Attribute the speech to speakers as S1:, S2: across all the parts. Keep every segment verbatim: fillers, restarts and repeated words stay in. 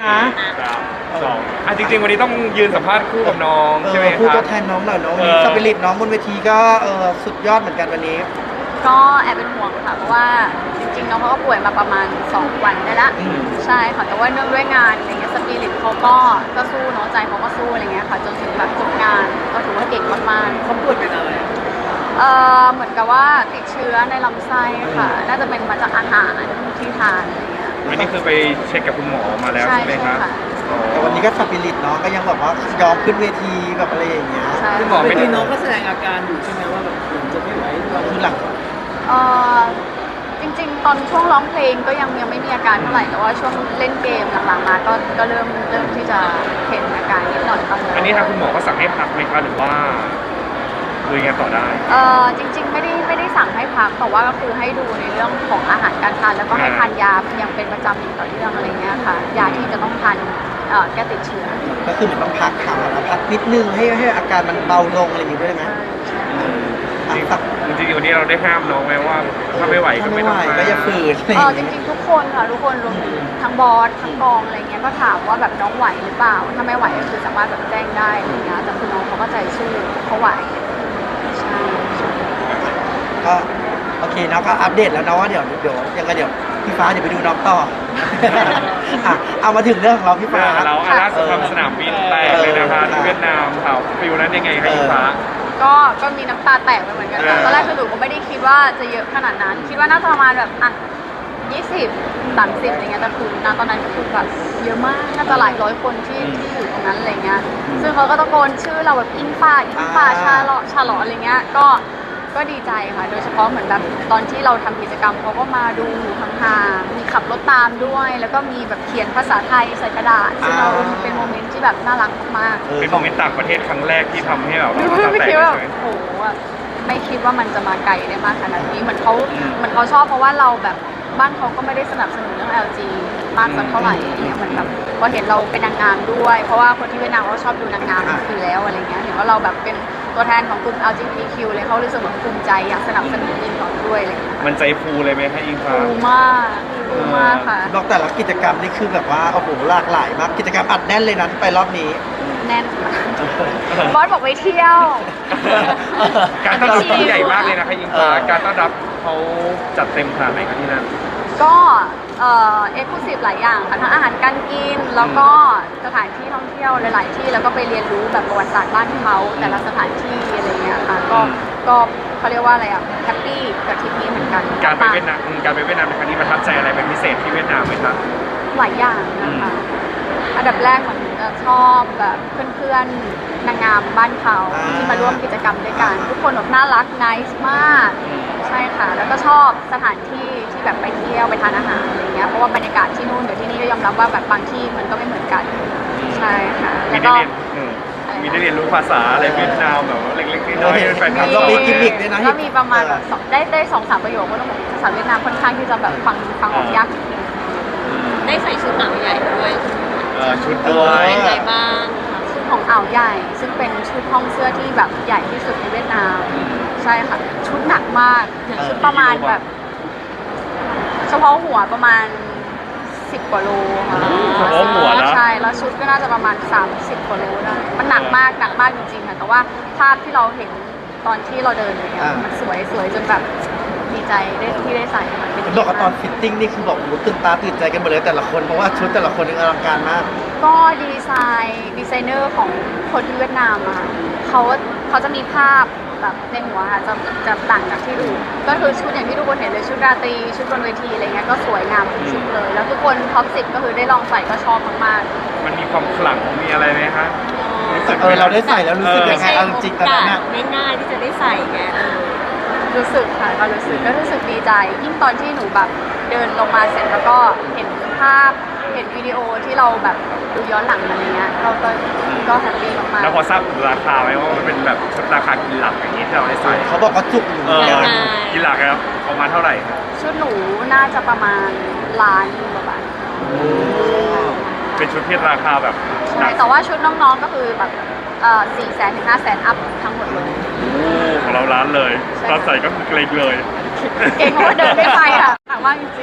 S1: นะ
S2: สองอ่ะจริงๆวันนี้ต้องยืนสัมภาษณ์คู่กับน้องใช่ไหมครับ
S1: พูดก็แทนน้องหน่อยน้องวันนี้
S2: เออ
S1: สปิริตน้องบนเวทีก็เออสุดยอดเหมือนกันวันนี้
S3: ก็แอบเป็นห่วงค่ะเพราะว่าจริงๆน้องเขาก็ป่วยมาประมาณสองวันได้ละ
S1: อืม
S3: ใช่ค่ะแต่ว่าเนื่องด้วยงานอะไรเงี้ยสปิริตเขาก็ก็สู้เนาะใจเขาก็สู้อะไรเงี้ยค่ะจนถึงแบบจบงานก็ถือว่าเก่งมากๆ
S1: เขาป่วยเป็นอะไร
S3: เอ่อเหมือนกับว่าติดเชื้อในลำไส้ค่ะน่าจะเป็นมาจากอาหารที่ทานอะไรเงี้ย
S2: วันนี้คือไปเช็คกับคุณหมอมาแล้ว
S3: ใช่
S2: ใช่ไหมครับ
S3: ใช่ค่ะ
S1: แต่วันนี้ก็สปิริตน้องก็ยังแบบว่ายอมขึ้นเวทีแบบอะไรอย่างเงี้ย
S3: ใช่
S2: คุณหมอไม่ได้
S4: น้องก็แสดงอาการอยู่ใช่ไหมว่าแบบเหมือนจะไม่ไหวหรือว่า
S1: คือหลัง
S3: เอ่อจริงๆ ตอนช่วงร้องเพลงก็ยังยังไม่มีอาการเท่าไหร่แต่ว่าช่วงเล่นเกมหลังๆมาก็ก็เริ่มเริ่มที่จะเห็นอาการนิดหน่อยบ้างแล้ว
S2: อันนี้ทางคุณหมอก็สั่งให้พักไหมครับหรือว่าคุยกันต่อได้
S3: เอ่อจริงๆไม่ได้ไม่ได้สั่งให้พักแต่ว่าก็คือให้ดูในเรื่องของอาหารการทานแล้วก็ให้ทานยาอย่างเป็นประจำอย่างต่อเนื่องอะไรเงี้ยค่ะยาที่จะต้องทานเอ่อแก้ติดเชื้อ
S1: ก็คือเหมือนต้องพักขาแล้วพักนิดนึงให้ให้อาการมันเบาลงอะไรอย่างงี้ด้วยไหมอ่ะสัก
S2: จริงๆวันนี้เราได้ห้ามน้องไหมว่าถ้าไม่ไหวก็
S1: ถ้า
S2: ไม่
S1: ไม่ไหว
S2: ต้องมา
S1: ก็อย่าฝืนอะไรอ
S3: เอย่าง อจ
S1: เงี้ย
S3: ริงๆทุกคนค่ะทุกคนรวมถึงทั้งบอสทั้งกองอะไรเงี้ยก็ถามว่าแบบน้องไหวหรือเปล่าถ้าไม่ไหวก็คือสามารถแบบแจ้งได้อะไรเงี้ยแต่คือน้องเขาก็ใจสู้เขาไหวใช่
S1: ก็โอเคเนาะก็อัปเดตแล้วเนาะว่าเดี๋ยวเดี๋ยวยังไงเดี๋ยวพี่ฟ้าเดี๋ยวไปดูน้องต่อ อ่ะเอามาถึงเรื่องของเราพี่ฟ้า
S2: เราอาล่าสุดทำสนามบินแตกเลยนะคะที่เวียดนามค่ะฟิวนั้นยังไงคะอิงฟ้า
S3: ก็ก็มีน้ำตาแตกไปเหมือนกันค่ะ
S2: เออ
S3: ตอนแรกคือหนูก็ไม่ได้คิดว่าจะเยอะขนาดนั้น คิดว่าน่าจะประมาณแบบอ่ะยี่สิบสามสิบอะไรเงี้ยแต่คือณตอนนั้นคือแบบเยอะมากน่าจะหลายร้อยคนที่ที่อยู่ตรงนั้นอะไรเงี้ยซึ่งเขาก็ตะโกนชื่อเราแบบอิงฟ้าอิงฟ้าชาเลาะชาเลาะอะไรเงี้ยก็ก็ดีใจค่ะ โดยเฉพาะเหมือนแบบตอนที่เราทำกิจกรรมเขาก็มาดูห่างๆมีขับรถตามด้วย แล้วก็มีแบบเขียนภาษาไทยใส่กระดาษซึ่งเราเป็นโมเมนต์ที่แบบน่ารักมากๆ
S1: เออ
S2: เป็นโมเมนต์ต่างประเทศครั้งแรกที่ทำให้เรา
S3: ไม่
S2: น้ำตา
S3: ไม่
S2: แตก
S3: คิด
S2: เล
S3: ว่าย
S2: ใช่ไหม
S3: โอ้โหอะไม่คิดว่ามันจะมาไกลได้มากขนาดนี้เหมือนเขา
S2: อืม
S3: เหมือนเขาชอบเพราะว่าเราแบบบ้านเขาก็ไม่ได้สนับสนุนเรื่อง แอล จี มากสักเท่าไหร่อะไรเงี้ยเหมือนแบบพอเห็นเราเป็นนางงามด้วย เพราะว่าคนที่เวียดนามเขาชอบดูนางงามอยู่แล้วอะไรเงี้ยเห็นว่าเราแบบเป็นตัวแทนของกลุ่ม แอล จี บี ที คิว เลยเขารู้สึกแบบภูมิใจอยากสนับสนุนยินเขาด้วยอะไรเงี้ย
S2: มันใจฟูเลยไหมคะอิงฟ้า
S3: ฟูมากฟูมากค่ะ
S1: บอกแต่ละกิจกรรมนี่คือแบบว่าโอ้โหหลากหลายมากกิจกรรมอัดแน่นเลยนะที่ไปรอบนี้
S3: แน่นมากบอสบอกไปเที่ยว
S2: การต้อนรับที่งใหญ่มากเลยนะคะอิงฟ้า
S1: เออ
S2: การต้อนรับเขาจัดเต็มขนาดไหนคะที่นั่น
S3: ก็เอ่อเอ็กซ์คลูซีฟหลายอย่างค่ะทั้งอาหารการกินแล้วก็สถานที่ท่องเที่ยวหลาย ๆ ที่แล้วก็ไปเรียนรู้แบบประวัติศาสตร์บ้านเขาแต่ละสถานที่อะไรเงี้ยค่ะก็
S2: อืม
S3: ก็เขาเรียกว่าอะไรอ่ะแฮปปี้กับทริปนี้เหมือนกัน
S2: การไปเวียดนามอืมการไปเวียดนามในครั้งนี้ประทับใจอะไรเป็นพิเศษที่เวียดนามไหมคะ
S3: หลายอย่างนะคะอันดับแรกเหมือนจะชอบแบบเพื่อนๆนางงามบ้านเขา
S1: อ่า
S3: ที่มาร่วมกิจกรรมด้วยกันทุกคนแบบน่ารักไนส์มาก ใช่ค่ะ แล้วก็ชอบสถานที่ที่แบบไปเที่ยวไปทานอาหารอะไรเงี้ย เพราะว่าบรรยากาศที่นู่นกับที่นี่ก็ยอมรับว่าแบบบางที่มันก็ไม่เหมือนกัน ใช่ค่ะ
S2: มี
S3: แล้ว
S2: ได้
S3: ก็
S2: เรียนอืมมีได้เรียนรู้ภาษาอะไรเวียดนามแบบว่าเล็กๆน้อยๆเป็นแฟนคลับ
S1: เรามีกิมมิคด้วยนะ
S3: ก็มีประมาณแบบสองได้ได้สองสามประโยคก็ต้องบอกภาษาเวียดนามค่อนข้างที่จะแบบฟังฟังออกยากนิดนึง
S5: ได้ใส่ชุดหนังใหญ่ด้วย
S2: เอ่อชุดด้วย
S5: เป็นไงบ้าง
S3: ชุดของอ่าวใหญ่ ซึ่งเป็นชุดห้องเสื้อที่แบบใหญ่ที่สุดในเวียดนาม ใช่ค่ะ ชุดหนักมากชุดประมาณแบบ เฉพาะหัวประมาณสิบกว่าโลค่ะ
S2: เฉพาะหัวนะ
S3: ใช่แล้วชุดก็น่าจะประมาณสามสิบกว่าโลได้มันหนักมากหนักมากจริงๆค่ะแต่ว่าภาพที่เราเห็นตอนที่เราเดินเลยอะมันสวยสวยจนแบบดีใจได้ที่ได้ใส่มันเป็น
S1: บอกว่าตอนฟิตติ้งนี่คือบอกโอ้โหตื่นตาตื่นใจกันหมดเลยแต่ละคนเพราะว่าชุดแต่ละคนนี่อลังการมาก
S3: ก็ดีไซน์ดีไซเนอร์ของคนที่เวียดนามอะเขาเขาจะมีภาพแบบในหัวค่ะจะจะต่างจากที่ดูก็คือชุดอย่างที่ทุกคนเห็นเลยชุดราตรีชุดบนเวทีอะไรเงี้ยก็สวยงามทุกชุดเลย แล้วทุกคนท็อปสิบก็คือได้ลองใส่ก็ชอบมากๆ
S2: มันมีความขลังมีอะไรไหมคะรู้สึก
S1: เออเราได้ใส่แล้วรู้สึกยังไงเอาจริงๆตอนนั้นน่ะ
S5: ไม่ง่ายที่จะได้ใส่ไงเออ
S3: รู้สึกค่ะก็รู้สึกก็รู้สึกดีใจ ยิ่งตอนที่หนูแบบเดินลงมาเสร็จแล้วก็เห็นภาพเห็นวิดีโอที่เราแบบดูย้อนหลังมาอะไรเงี้ยเราก็ก็แฮปปี้มากๆ
S2: แล้วพอทราบราคาไหมว่ามันเป็นแบบชุดราคากินหลักอย่างนี้ที่เราได้ใส่
S1: เขาบอกว่าจุกอยู่
S2: เออ
S1: เหมือนกัน
S2: กินหลักแล้วประมาณเท่าไหร่
S3: ชุดหนูน่าจะประมาณล้านกว่าบาท
S2: เป็นชุดที่ราคาแบบห
S3: ใช่
S2: นัก
S3: แต่ว่าชุดน้องๆก็คือแบบเอ่อสี่แสนถึงห้าแสนอัพทั้งหมดเลย
S2: ของเราร้านเลย
S3: ใช่
S2: ตอนใส่ก็คือเกรงเลย
S3: เก่งเพราะว่าเดินไม่ไปอ่ะหนักมากจริงๆ
S2: เห็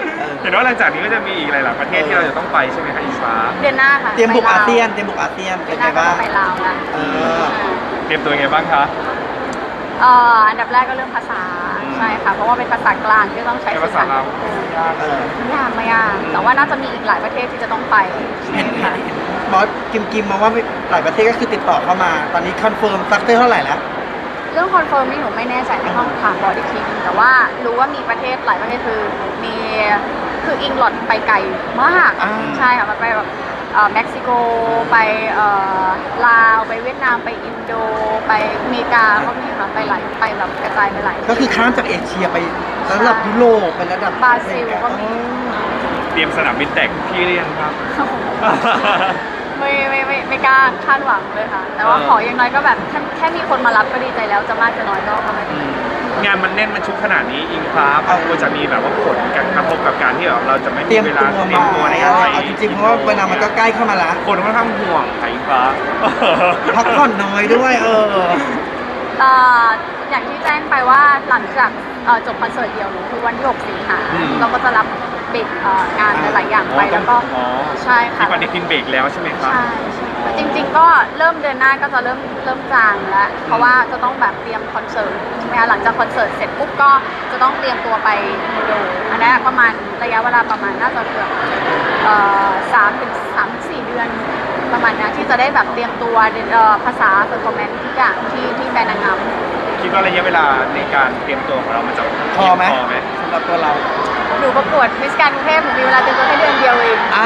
S2: ห็นว่าหลังจากนี้ก็จะมีอีกหลายๆประเทศที่เราจะต้องไปใช่ไหมคะอิงฟ้า
S3: เดือนหน้าค่ะ
S1: เตรียมบุก
S3: ไปลว
S1: อาเซียนเตรียมบุกอาเซียน
S3: เดื
S1: เป็
S3: อน นห
S1: ไง
S3: น้าก็
S1: บ้าง
S3: จะไปลาวแล้ว
S1: เออ
S2: เตรียมตัวยังไงบ้างคะ
S3: เอ่ออันดับแรกก็เรื่องภาษา
S2: อืม
S3: ใช่ค่ะเพราะว่าเป็นภาษากลางที่ต้องใช้
S2: ใช้ภาษาเรา
S1: เออ
S3: ไม่ยากไม่ยากแต่ว่าน่าจะมีอีกหลายประเทศที่จะต้องไป
S1: เห็นเห็นเห็นบอสกิมกิมมาว่าหลายประเทศก็คือติดต่อเข้ามา ตอนนี้คอนเฟิร์มซักเตอร์เท่าไหร่แล้ว
S3: เรื่องคอนเฟิร์มนี่หนูไม่แน่ใจในห้องถามบอร์ดอีกทีนึงแต่ว่ารู้ว่ามีประเทศหลายประเทศคือมีคืออิงลอดไปไกลมาก
S1: อ่า
S3: ใช่ค่ะมันไปแบบเอ่อเม็กซิโกไปเอ่อลาวไปเวียดนามไปอินโด ไปอเมริกาก็มีค่ะไปหลายไปแบบกระจายไปหลาย
S1: ก็คือข้ามจากเอเชียไประดับยุโรปไประดับบ
S3: ราซิลก็มี
S2: เตรียมสนามบินแตกพี่เรียนครับ
S3: ไม่ไม่ไม่ไม่กล้าคาดหวังเลยค่ะ แต่ว่า
S2: เออ
S3: ขออย่างน้อยก็แบบแค่แค่มีคนมารับก็ดีใจแล้วจะมากจะน้อยก็ก็ไม่เป็นไร
S2: งานมันแน่นมันชุกขนาดนี้อิงฟ้าเอาจะมีแบบว่าผลกระทบกับการที่แบบเราจะไม่
S1: เตรี
S2: มี
S1: ยม
S2: เว
S1: ตั
S2: ลาว เตรีย
S1: มาม
S2: ตัวใน
S1: เอา
S2: การไป
S1: เอาจริงๆเพราะว่าเวลามันก็ใกล้เข้ามาละ
S2: คนค่อนข้างห่วงค่ะอิงฟ้า
S1: พักผ่อนน้อยด้วย เออ
S3: เอ่ออย่างที่แจ้งไปว่าหลังจากเอ่อจบคอนเสิร์ตเดียวหนูคือวันที่หกสิงหา
S2: อืม
S3: เราก็จะรับเบรกเอ่องานหลายๆอย่างไปแล้วก็
S2: อ๋อ
S3: ใช่ค่ะ
S2: ที่ปฏิทินเบรกแล้วใช่ไหมครับ
S3: ใช่ใช่ค่ะจริง ๆ ก็เริ่มเดือนหน้าก็จะเริ่มเริ่มจางแล้ว เพราะว่าจะต้องแบบเตรียมคอนเสิร์ตใช่ไหมคะหลังจากคอนเสิร์ตเสร็จปุ๊บก็จะต้องเตรียมตัวไปมูโดอันนั้นประมาณระยะเวลาประมาณน่าจะเกือบเอ่อสามถึงสามถึงสี่เดือนประมาณนี้ที่จะได้แบบเตรียมตัวเอ่อภาษาเซอร์คอมเมนทุกอย่างที่ที่แบรนด์นางงาม
S2: คิดว่าระยะเวลาในการเตรียมตัวของเรามันจะ
S1: พอไหม
S2: พอไหม
S1: สำหรับตัวเรา
S3: หนูประกวดมิสแกรนด์กรุงเทพหนูมีเวลาเตรียมตัวแค่เดือนเดียวเอง
S1: อ่า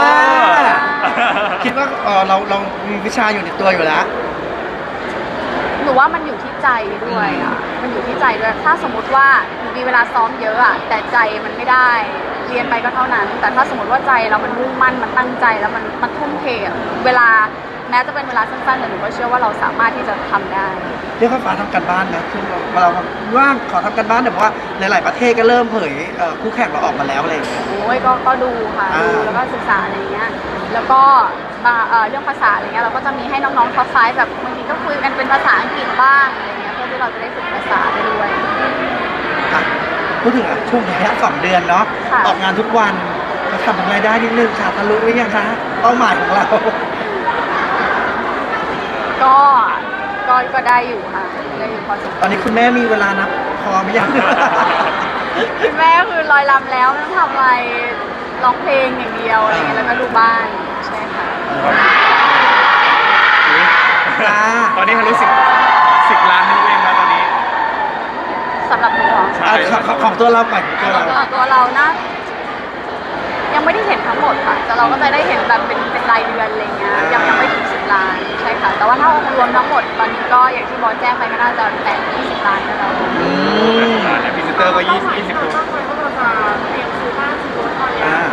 S1: คิดว่าเออเราเรามีวิชาอยู่ในตัวอยู่แล้ว
S3: หนูว่ามันอยู่ที่ใจด้วยอ่ะมันอยู่ที่ใจด้วยถ้าสมมติว่าหนูมีเวลาซ้อมเยอะอ่ะแต่ใจมันไม่ได้เรียนไปก็เท่านั้น แต่ถ้าสมมติว่าใจเรามันมุ่งมั่นมันตั้งใจแล้วมันมันทุ่มเทอะเวลาแม้จะเป็นเวลาสั้นๆแต่หนูก็เชื่อว่าเราสามารถที่จะทำได้
S1: เรียกว่าฟ้าทำกันบ้านนะคือเราเราว่างขอทำกันบ้านแต่ว่าหลาย ๆ ประเทศก็เริ่มเผยเอ่อคู่แข่งเราออกมาแล้วอะไรอย่างเงี้ย
S3: โอ้ยก็ก็ดูค่ะ
S1: อ่า
S3: ดูแล้วก็ศึกษาอะไรเงี้ยแล้วก็บางเอ่อเรื่องภาษาอะไรเงี้ยเราก็จะมีให้น้องๆท็อปไฟว์แบบบางทีก็คุยกันเป็นภาษาอังกฤษบ้างอะไรเงี้ยเพื่อที่เราจะได้ฝึกภาษาไปด้วย
S1: อ่ะพูดถึงอ่ะช่วงระยะสองเดือนเนาะ
S3: ค่ะ
S1: ออกงานทุกวันจะทำรายได้นิดนึงค่ะทะลุหรือยังคะเป้าหมายของเรา
S3: ก็ก็ก็ได้อยู่ค่ะได้อยู่พอสมควร
S1: ตอนนี้คุณแม่มีเวลานับพอไหมยัง
S3: คุณแม่คือลอยลำแล้วไม่ต้องทำอะไรร้องเพลงอย่างเดียวอะไรเงี้ยแล้วก็ดูบ้านใช่ค่ะ
S1: จ้า
S2: ตอนนี้ทะลุสิบสิบล้านทะลุเองแล้วตอนนี้
S3: สำหรับหนูเหรอ
S2: ใช่
S1: อ่ะของของตัวเราก่อนของตัวเรา
S3: ตัวตัวเรานะยังไม่ได้เห็นทั้งหมดค่ะแต่เราก็จะได้เห็นแบบเป็นเป็นรายเดือนอะไรเงี้ยยังยังไม่ถึงสิบล้านใช่ค่ะ แต่ว่าถ้าองค์รวมทั้งหมดตอนนี้ก็อย่างที่บอสแจ้งไปก็น่าจะแตะยี่สิบล้านแล้ว
S1: อืม
S2: อ่าเนี่ยพรีเซนเตอร์ก็ยี่สิบยี่สิบตัว
S1: อ่า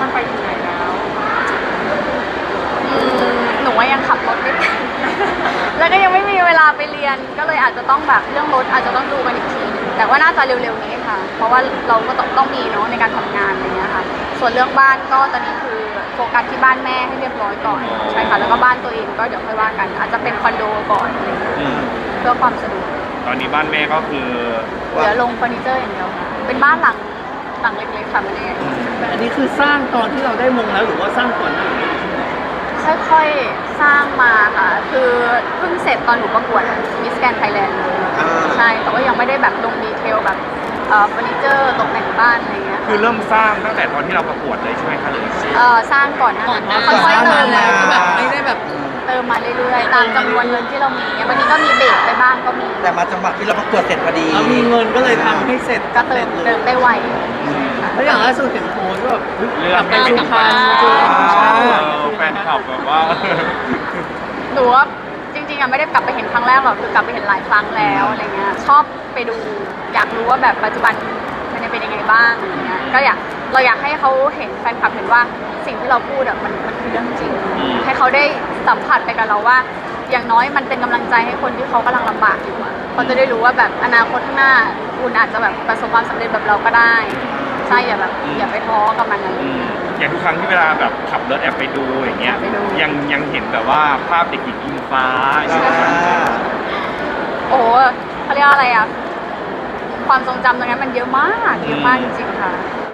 S3: อืมหนูว่ายังขับรถไม่เป็น แล้วก็ยังไม่มีเวลาไปเรียนก็เลยอาจจะต้องแบบเรื่องรถอาจจะต้องดูกันอีกทีหนึงแต่ว่าน่าจะเร็วๆนี้ค่ะ เพราะว่าเราก็ต้องต้องมีเนาะในการทำงานอะไรเงี้ยค่ะ ส่วนเรื่องบ้านก็ตอนนี้คือโฟกัสที่บ้านแม่ให้เรียบร้อยก่อนใช่ค่ะแล้วก็บ้านตัวเองก็เดี๋ยวค่อยว่ากัน อาจจะเป็นคอนโดก่อนอะไรเงี้ย
S2: อืม
S3: เพื่อความสะดวก
S2: ตอนนี้บ้านแม่ก็คือ
S3: เหลือลงเฟอร์นิเจอร์อย่างเดียวค่ะเป็นบ้านหลังหลังเล็กๆค่ะไม่ได้
S4: แต่อันนี้คือสร้างตอนที่เราได้มงแล้วหรือว่าสร้างก่อนหน้านี้
S3: ค่อยๆ สร้างมาค่ะ คือเพิ่งเสร็จตอนหนูประกวดมิสแกนไทยแลนด์
S1: อ่า
S3: ใช่ แต่ว่ายังไม่ได้แบบลงดีเทลแบบเอ่อเฟอร์นิเจอร์ตกแต่งบ้านอะไรเงี้ย
S2: คือเริ่มสร้างตั้งแต่ตอนที่เราประกวดเลยใช่ไหมคะหรือ
S3: เอ่อสร้างก่อนหน้านั้นค่อยๆเติม
S1: ก่อนหน้านั้น
S3: คือแบบ
S4: ไม่ได้แบบ
S3: เติมมาเรื่อยๆ ตามจำนวนเงินที่เรามีบางทีก็มีเบรกไปบ้างก็มี
S1: แต่มาจังหวะที่เราประกวดเสร็จพอดี
S4: เรามีเงินก็เลยทำให้เสร็จ
S3: ก็เติมเติมได้ไว
S4: แล้วอย่างล่าสุดเห็นโพสต์ว่าแบบ
S2: เรื่อง
S4: ไปสุพรรณเจอ
S1: อ่า
S2: เออแฟนคลับแบบว่า
S3: หนูว่าจริงๆอะไม่ได้กลับไปเห็นครั้งแรกหรอกคือกลับไปเห็นหลายครั้งแล้วอะไรเงี้ยชอบไปดูอยากรู้ว่าแบบปัจจุบันมันเป็นยังไงบ้างอะไรเงี้ยก็อยากเราอยากให้เขาเห็นแฟนคลับเห็นว่าสิ่งที่เราพูดอะมันมันคือเรื่องจริง
S2: อืม
S3: ให้เขาได้สัมผัสไปกับเราว่า อย่างน้อยมันเป็นกำลังใจให้คนที่เขากำลังลำบากอยู่อะเขาจะได้รู้ว่าแบบอนาคตข้างหน้าคุณอาจจะแบบประสบความสำเร็จแบบเราก็ได้ใช่อย่าแบบอย่าไปท้อกับมันอะไร
S2: อืม
S3: เงี้ย
S2: อย่างทุกครั้งที่เวลาแบบขับรถแอบไปดูอย่างเงี้ย
S3: ไปดู
S2: ยังยังเห็นแบบว่าภาพเด็กหญิงอิงฟ้า
S1: อ่า
S3: โอ้โหเขาเรียกว่าอะไรอะความทรงจำตรงนั้นมันเยอะมากเยอะมากจริงๆค่ะ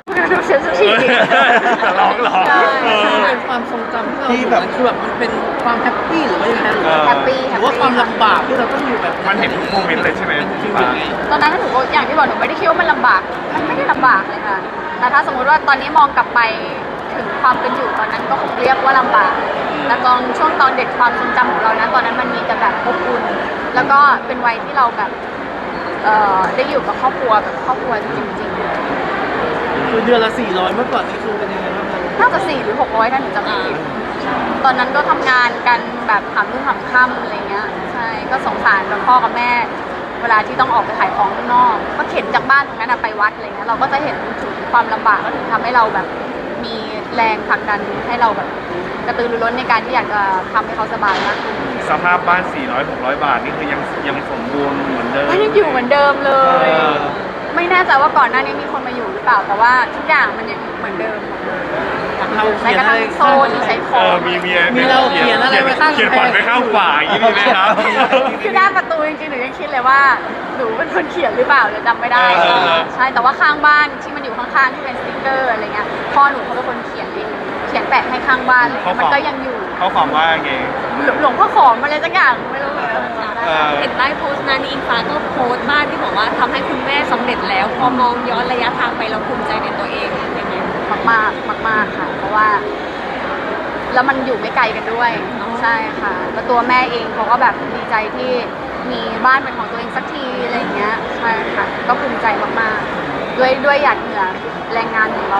S3: ดูเซนซิทีฟ
S2: แต่ร้องหรอ
S3: ใช่
S2: เออ
S4: มันเป็นความทรงจำที่เรา
S1: ที่แบบ
S4: คือแบบมันเป็นความแฮปปี้หรือว่ายังไงหรือ
S2: เออ
S3: แฮปปี้
S4: หรือว่าความลำบากที่เราต้องอยู่แบบ
S2: มันเห็นทุกโมเมนต์เลยใช่ไหม
S4: มัน
S2: พี่
S4: คือ
S2: ฟ้า
S4: ยังไง
S3: ตอนนั้นหนูก็อย่างที่บอกหนูไม่ได้คิดว่ามันลำบาก มันไม่ได้ลำบากเลยค่ะ แต่ถ้าสมมุติว่าตอนนี้มองกลับไปถึงความเป็นอยู่ตอนนั้นก็คงเรียกว่าลำบาก แต่ตอนช่วงตอนเด็กความทรงจำของเรานะตอนนั้นมันมีแต่แบบอบอุ่น แล้วก็เป็นวัยที่เราแบบเอ่อได้อยู่กับครอบครัวแบบครอบครัวจริง
S4: คือเดือนละสี่ร้อยเมื่อก่อนนี่คือเป็นยังไงบ้างครับ
S3: ๆ น่าจะสี่หรือหกร้อยถ้าหนูจำไม่ผิดตอนนั้นก็ทำงานกันแบบหามรุ่งหามค่ำอะไรเงี้ย ใช่ ก็สงสารกับพ่อกับแม่ เวลาที่ต้องออกไปขายของข้างนอก ก็เข็นจากบ้านตรงนั้นอะไปวัดอะไรเงี้ย เราก็จะเห็นถึงความลำบากก็ถึงทำให้เราแบบมีแรงผลักดันให้เราแบบกระตือรือร้นในการที่อยากจะทำให้เขาสบายมากขึ้น
S2: สภาพบ้าน สี่ร้อย หกร้อย บาทนี่คือยังยังสมบูรณ์เหมือนเดิม
S3: ก็ยังอยู่เหมือนเดิมเลย
S2: เออ
S3: ไม่แน่ใจว่าก่อนหน้านี้มีคนมาอยู่หรือเปล่า แต่ว่าทุกอย่างมันยังเหมือนเดิมหมดเลย
S4: เรา
S3: ใน
S4: เขีย
S3: ก
S4: น
S3: ระ
S4: อะ
S3: ทั่
S4: ไรง
S3: โซนที่ใช้ข
S2: เอ
S3: อง
S2: อมีมี
S4: มีเราเขียนอะไรไว้ข้าง
S2: เขียนฝันไว้ข้างฝาอย่างนี้มีไหมครับ
S3: คือหน้าประตูจริงๆหนูยังคิดเลยว่าหนูเป็นคนเขียนหรือเปล่าเดี๋ยวจำไม่ได้
S2: เออเออ
S3: ใช่แต่ว่าข้างบ้านที่มันอยู่ข้างๆที่เป็นสติ๊กเกอร์อะไรเงี้ยพ่อหนูเขาเป็นคนเขียนเองเขียนแปะให้ข้างบ้านเลยมันก็ยังอยู่
S2: เขาความว่าไง
S3: หลวงพ่อขอมอะไรสักอย่างไม่รู้เหมือนกันจำได้
S2: เออ
S5: เห็นใต้โพสต์นั้นอิงฟ้าก็โพสต์บ้านที่บอกว่าทำให้คุณแม่สำเร็จแล้ว พอมองย้อนระยะทางไปเราภูมิใจในตัวเองยังไง
S3: มากมากมากมากๆค่ะ เพราะว่า แล้วมันอยู่ไม่ไกลกันด้วย
S5: อ๋อ
S3: ใช่ค่ะแล้วตัวแม่เองเขาก็แบบดีใจที่มีบ้านเป็นของตัวเองสักทีอะไรอย่างเงี้ยใช่ค่ะก็ภูมิใจมากๆ ด้วยด้วยหยาดเหงื่อแรงงานของเรา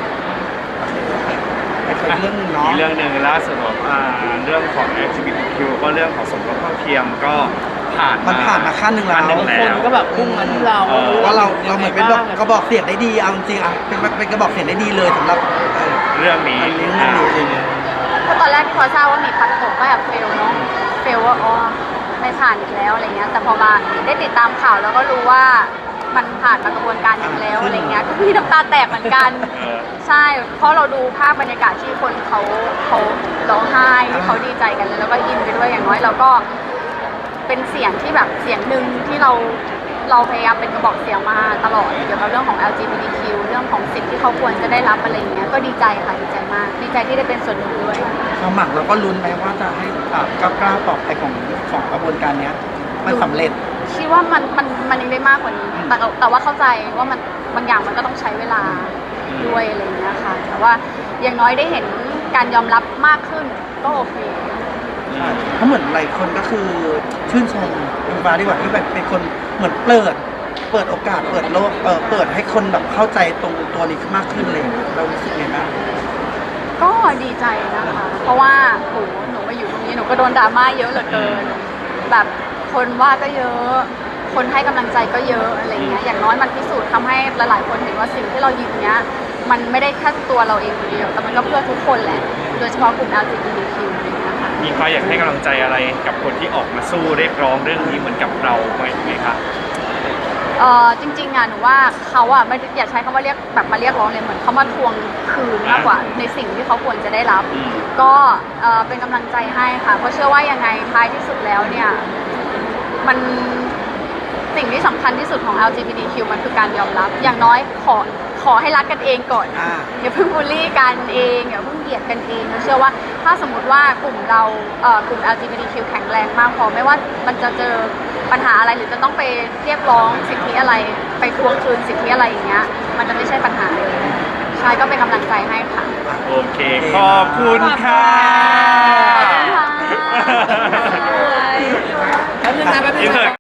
S1: อีกเรื่องหนึงเนาะ
S2: อีกเรื่องหนึ่งล่าสุดบอกอ่าเรื่องของ แอล จี บี ที คิว ก็เรื่องของสมรสเท่าเทียมก็ผ่าน
S1: มันผ่านมาขั้นหนึ่งแล้ว
S2: ขั้นหนึ่ง
S4: ค
S2: แล้
S4: น
S2: ว
S4: ก็แบบพุ่งมาที่เรา
S2: เออ
S1: ว่าเราเราเหมือนเป็นแบบกระบอกเสียงได้ดีเอาจริงๆอ่ะเป็นเป็นกระบอกเสียงได้ดีเลยสำหรับเออ
S2: เรื่องนี้
S1: อันนี้เรื่องนี้เอง
S3: ก็ตอนแรกที่พอทราบว่ามีพัดตกก็แบบเฟลเนาะเฟลว่าอ๋อไม่ผ่านอีกแล้วอะไรเงี้ยแต่พอมาได้ติดตามข่าวแล้วก็รู้ว่ามันผ่านมากระบวนการอย่างแล้วอะไรเงี้ยก็มีน้ำตาแตกเหมือนกัน
S2: เออ
S3: ใช่เพราะเราดูภาพบรรยากาศที่คนเขาเขาร้องไห้ที่เขาดีใจกันแล้วก็อินไปด้วยอย่างน้อยเราก็เป็นเสียงที่แบบเสียงหนึ่งที่เราเราพยายามเป็นกระบอกเสียงมาตลอดเกี่ยวกับเรื่องของ แอล จี บี ที คิว เรื่องของสิทธิ์ที่เขาควรจะได้รับอะไรอย่างเงี้ยก็ดีใจค่ะดีใจมากดีใจที่ได้เป็นส่วนหนึ่งด้วย
S1: ความหมักเราก็ลุ้นไปว่าจะให้อ่าก้าวก้าวต่อไปของของกระบวนการเนี้ยมันสำเร็จ
S3: คิดว่ามันมันมันยังได้มากกว่านี้แต่ก็แต่ว่าเข้าใจว่ามันบางอย่างมันก็ต้องใช้เวลาด้วยอะไรอย่างเงี้ยค่ะแต่ว่าอย่างน้อยได้เห็นการยอมรับมากขึ้นก็โอเค
S1: เพราะเหมือนหลายคนก็คือชื่นชมคุณฟ้าดีกว่าที่แบบเป็นคนเหมือนเปิด เปิดโอกาสเปิดโลกเออเปิดให้คนแบบเข้าใจตรงตัวนี้มากขึ้นเลยเรารู้สึกไงบ้าง
S3: ก็ดีใจนะคะ เพราะว่าโหหนูมาอยู่ตรงนี้หนูก็โดนดราม่าเยอะเหลือเกิน แบบคนว่าก็เยอะ คนให้กำลังใจก็เยอะอะไรเงี้ย อย่างน้อยมันพิสูจน์ทำให้หลายๆคนเห็นว่าสิ่งที่เรายืนเนี้ย มันไม่ได้แค่ตัวเราเองคนเดียว แต่มันก็เพื่อทุกคนแหละ โดยเฉพาะกลุ่ม แอล จี บี ที คิว อะไรเงี้ยค่ะ
S2: มีใครอยากให้กำลังใจอะไรกับคนที่ออกมาสู้เรียกร้องเรื่องนี้เหมือนกับเราไหมไหมคะ
S3: เออจริงๆอ่ะหนูว่าเขาอ่ะไม่ได้อยากใช้คำว่าเรียกแบบมาเรียกร้องเลยเหมือนเขามาทวงคืนมากกว่าในสิ่งที่เขาควรจะได้รับ
S2: อืม
S3: ก็เอ่อเป็นกำลังใจให้ค่ะ เพราะเชื่อว่ายังไงท้ายที่สุดแล้วเนี่ยมันสิ่งที่สำคัญที่สุดของ แอล จี บี ที คิว มันคือการยอมรับ อย่างน้อยขอขอให้รักกันเองก่อน
S1: อ่า
S3: อย่าเพิ่งบูลลี่กันเองอย่าเพิ่งเหยียดกันเองเราเชื่อว่าถ้าสมมติว่ากลุ่มเราเอ่อกลุ่ม แอล จี บี ที คิว แข็งแรงมากพอไม่ว่ามันจะเจอปัญหาอะไรหรือจะต้องไปเรียกร้องสิทธิอะไรไปทวงคืนสิทธิอะไรอย่างเงี้ยมันจะไม่ใช่ปัญหาเลยใช่ก็เป็นกำลังใจให้ค่ะ
S2: โอเค ขอบคุณค่ะ
S3: ขอบคุณค่ะ
S4: แป๊บนึงนะแป๊บนึงนะ